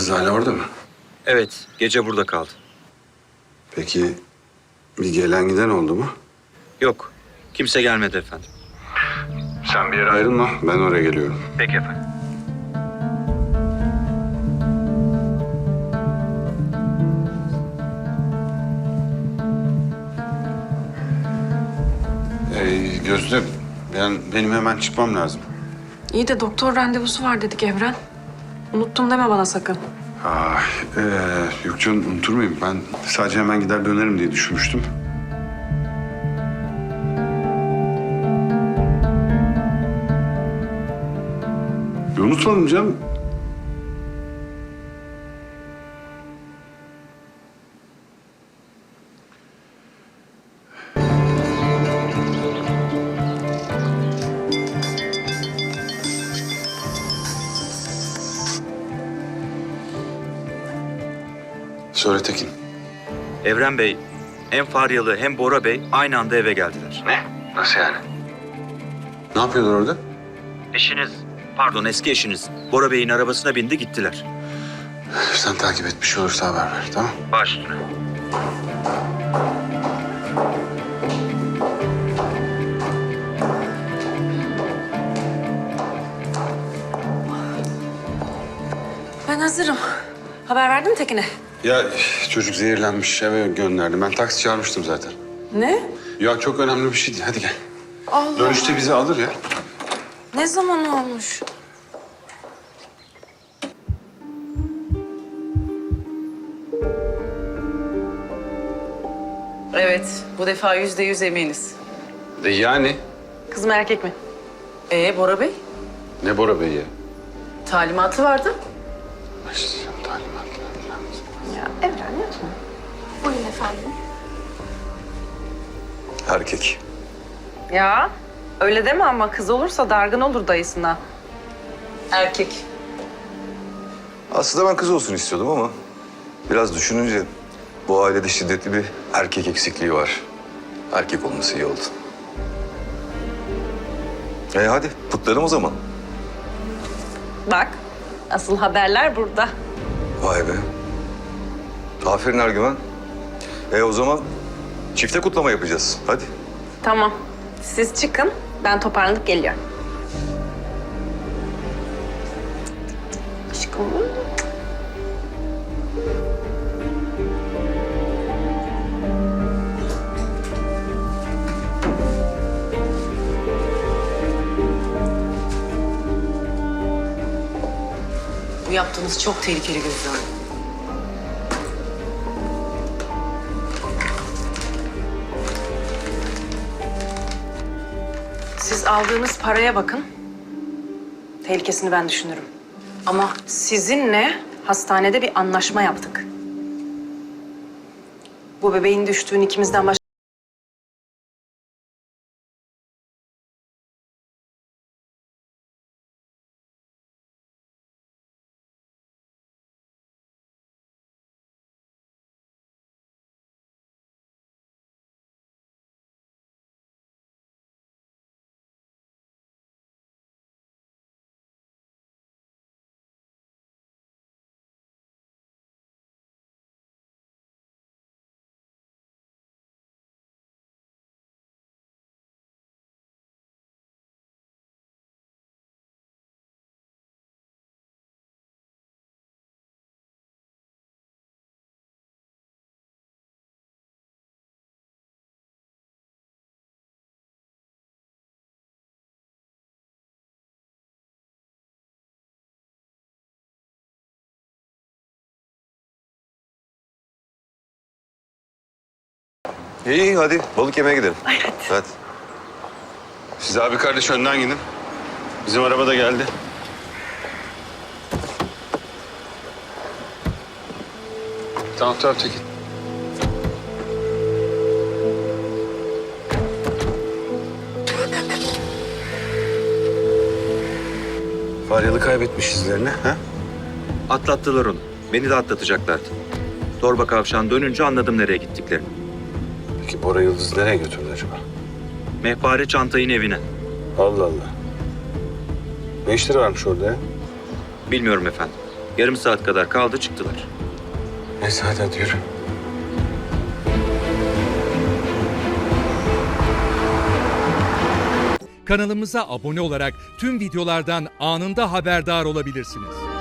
Kız hala orada mı? Evet, gece burada kaldı. Peki bir gelen giden oldu mu? Yok, kimse gelmedi efendim. Sen bir yere ayrılma. Ben oraya geliyorum. Peki efendim. Gözde, benim hemen çıkmam lazım. İyi de doktor randevusu var dedik Evren. Unuttum deme bana sakın. Yok canım, unutur muyum? Ben sadece hemen gider dönerim diye düşünmüştüm. Unutmadım canım. Söyle Tekin. Evren Bey, hem Faryalı hem Bora Bey aynı anda eve geldiler. Ne? Nasıl yani? Ne yapıyorlar orada? Eski eşiniz Bora Bey'in arabasına bindi gittiler. Sen takip et, bir şey olursa haber ver, tamam? Baş üstüne. Ben hazırım. Haber verdin mi Tekin'e? Ya çocuk zehirlenmiş, eve gönderdim. Ben taksi çağırmıştım zaten. Ne? Ya çok önemli bir şey değil, hadi gel. Allah. Dönüşte bizi alır ya. Ne zaman olmuş? Evet, bu defa %100 eminiz. Yani? Kız mı erkek mi? Bora Bey? Ne Bora Bey ya? Talimatı vardı. İşte talimatlar falan. Ya Evren yapma. Buyurun efendim. Erkek. Ya öyle deme ama kız olursa dargın olur dayısına. Erkek. Aslında ben kız olsun istiyordum ama biraz düşününce bu ailede şiddetli bir erkek eksikliği var. Erkek olması iyi oldu. Hadi kutlayalım o zaman. Bak asıl haberler burada. Vay be. Aferin Ergüven. O zaman çifte kutlama yapacağız. Hadi. Tamam. Siz çıkın. Ben toparlanıp geliyorum. Aşkım. Bu yaptığınız çok tehlikeli Gözde Hanım. Siz aldığınız paraya bakın. Tehlikesini ben düşünürüm. Ama sizinle hastanede bir anlaşma yaptık. Bu bebeğin düştüğünü ikimizden başka... İyi hadi balık yemeye gidelim. Hadi. Siz abi kardeş önden gidin. Bizim araba da geldi. Tamam Tekin. Faryalı kaybetmiş izlerini, ha? Atlattılar onu. Beni de atlatacaklardı. Torba kavşağın dönünce anladım nereye gittiklerini. Peki Bora Yıldız nereye götürdü acaba? Mehpare çantayın evine. Allah Allah. Ne işleri varmış orada ya? Bilmiyorum efendim. Yarım saat kadar kaldı çıktılar. Neyse hadi yürü. Kanalımıza abone olarak tüm videolardan anında haberdar olabilirsiniz.